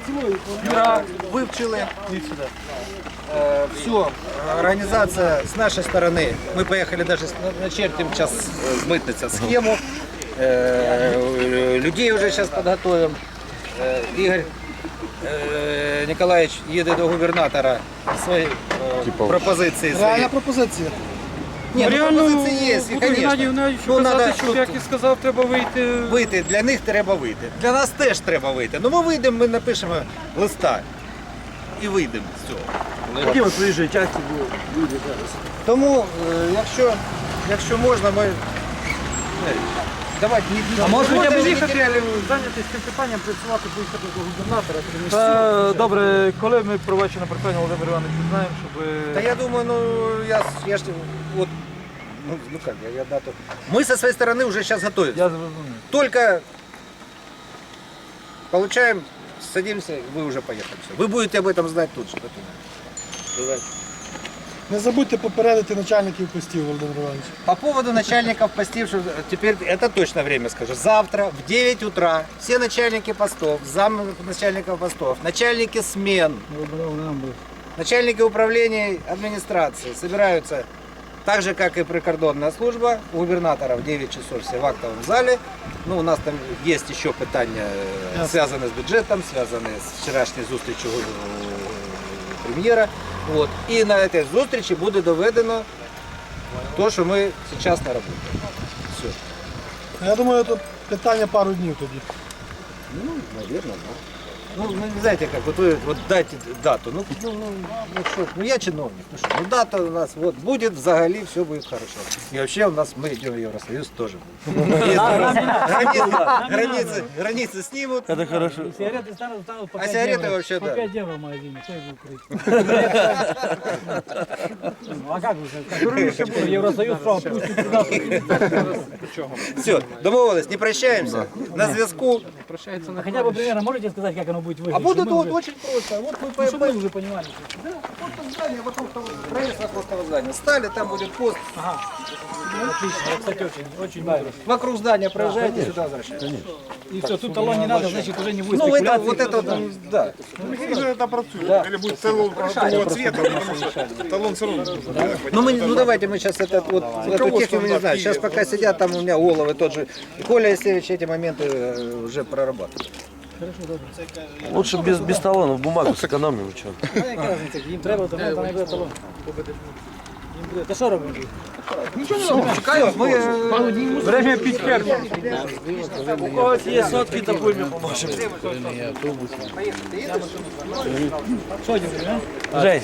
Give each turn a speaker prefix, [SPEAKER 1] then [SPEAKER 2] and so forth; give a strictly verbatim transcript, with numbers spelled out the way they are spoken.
[SPEAKER 1] Юра, вивчили. Все, организация с нашей стороны. Мы поехали даже с- начертим сейчас э, мытница схему. Э, Людей уже сейчас подготовим. Э, Игорь э, Николаевич їде до губернатора свої е, пропозиції.
[SPEAKER 2] Реальна
[SPEAKER 1] Свої.
[SPEAKER 2] пропозиція.
[SPEAKER 1] Ні, ну,
[SPEAKER 3] Реально,
[SPEAKER 1] пропозиції є,
[SPEAKER 3] буду Геннадій
[SPEAKER 1] звісно.
[SPEAKER 3] Геннадійовичу
[SPEAKER 1] Ну,
[SPEAKER 3] казати,
[SPEAKER 1] надо
[SPEAKER 3] щоб,
[SPEAKER 1] тут-
[SPEAKER 3] як і сказав, треба вийти.
[SPEAKER 1] Вийти, для них треба вийти. Для нас теж треба вийти. Ну ми вийдемо, ми напишемо листа і вийдемо з цього.
[SPEAKER 4] Які ви приїжджі часті люди зараз?
[SPEAKER 1] Тому, е, якщо, якщо можна, ми. е, Давайте, ні-
[SPEAKER 3] А може
[SPEAKER 1] ні-
[SPEAKER 3] хоча б
[SPEAKER 1] ні-
[SPEAKER 3] їхати,
[SPEAKER 5] Зайнятися цим питанням, працювати, поїхати до губернатора.
[SPEAKER 3] Та, добре, коли ми проведемо питання, Володимир Іванович, знаємо, щоб...
[SPEAKER 1] Та я думаю, ну я, с- я ж вот, ну, ну как, я, я дату. Мы со своей стороны уже сейчас готовимся.
[SPEAKER 3] Я зрозумів.
[SPEAKER 1] Только получаем, садимся, вы уже поехали. Всё. Вы будете об этом знать тут же. потом. Давай.
[SPEAKER 2] Не забудьте попередити начальників постів, Володимир Іванович.
[SPEAKER 1] По поводу начальников постов, что теперь это точно время скажу. Завтра в девять утра все начальники постов, зам начальников постов, начальники смен, начальники управления администрации собираются так же, как и прикордонная служба, у губернатора в девять часов все в актовом зале. Ну, у нас там есть еще питания, э, связанные с бюджетом, связанные с вчерашней зустрічю э, прем'єра. Вот. І на этой зустрічі буде доведено то, що ми зараз на роботі. Все.
[SPEAKER 2] Я думаю, тут питання пару днів тоді.
[SPEAKER 1] Ну, наверное, да. Ну, ну, не знаете, как, вот вы вот дайте дату. Ну, ну, ну, ну, что, ну я чиновник. Ну, что, ну дата у нас вот будет, взагалі, все будет хорошо. И вообще у нас мы идем в Евросоюз тоже. Границы, границы снимут.
[SPEAKER 4] Це хорошо.
[SPEAKER 5] Сигареты станут, станут по
[SPEAKER 1] А
[SPEAKER 5] пять
[SPEAKER 1] сигареты
[SPEAKER 5] евро.
[SPEAKER 1] вообще,
[SPEAKER 5] по
[SPEAKER 1] да.
[SPEAKER 5] пять евро в магазине, кто их будет курить? Ну, а как вы, в Евросоюз, что, пустят туда,
[SPEAKER 1] Все, домовились, не прощаемся. На зв'язку.
[SPEAKER 5] А хотя бы примерно можете сказать, как оно будет выглядеть?
[SPEAKER 1] А будет
[SPEAKER 5] чтобы мы
[SPEAKER 1] вот
[SPEAKER 5] уже-
[SPEAKER 1] очень просто. Вот мы
[SPEAKER 5] ну, чтобы
[SPEAKER 1] по-
[SPEAKER 5] мы уже понимали.
[SPEAKER 1] Да, вот там здание, вокруг того, проезд вокруг того здания. Стали, там будет пост.
[SPEAKER 5] Ага. Отлично, я, кстати, очень, очень нравится.
[SPEAKER 1] Вокруг здания проезжаете, сюда возвращаетесь.
[SPEAKER 5] И все, тут талон не надо, значит, уже не будет
[SPEAKER 1] Ну, это,
[SPEAKER 5] спекуляций.
[SPEAKER 1] вот это, вот, да.
[SPEAKER 6] Это працює. Или будет талон такого цвета, потому что талон все равно нужен.
[SPEAKER 1] Ну, мы, ну давайте мы сейчас этот, вот, эту технику, не знаю, сейчас пока сидят, там у меня головы тот же. И Коля Есевич эти моменты э, уже прорабатывает.
[SPEAKER 4] Лучше без, без талонов, бумагу сэкономим. Что?
[SPEAKER 5] Ну, яка різниця, їм треба, то не буде талон. Їм буде. Та що робити?
[SPEAKER 1] Все, мы... э,
[SPEAKER 3] Время пить херню.
[SPEAKER 4] У когось є сотки, то будь поможемо.
[SPEAKER 5] Що, дівчина?
[SPEAKER 4] Жень,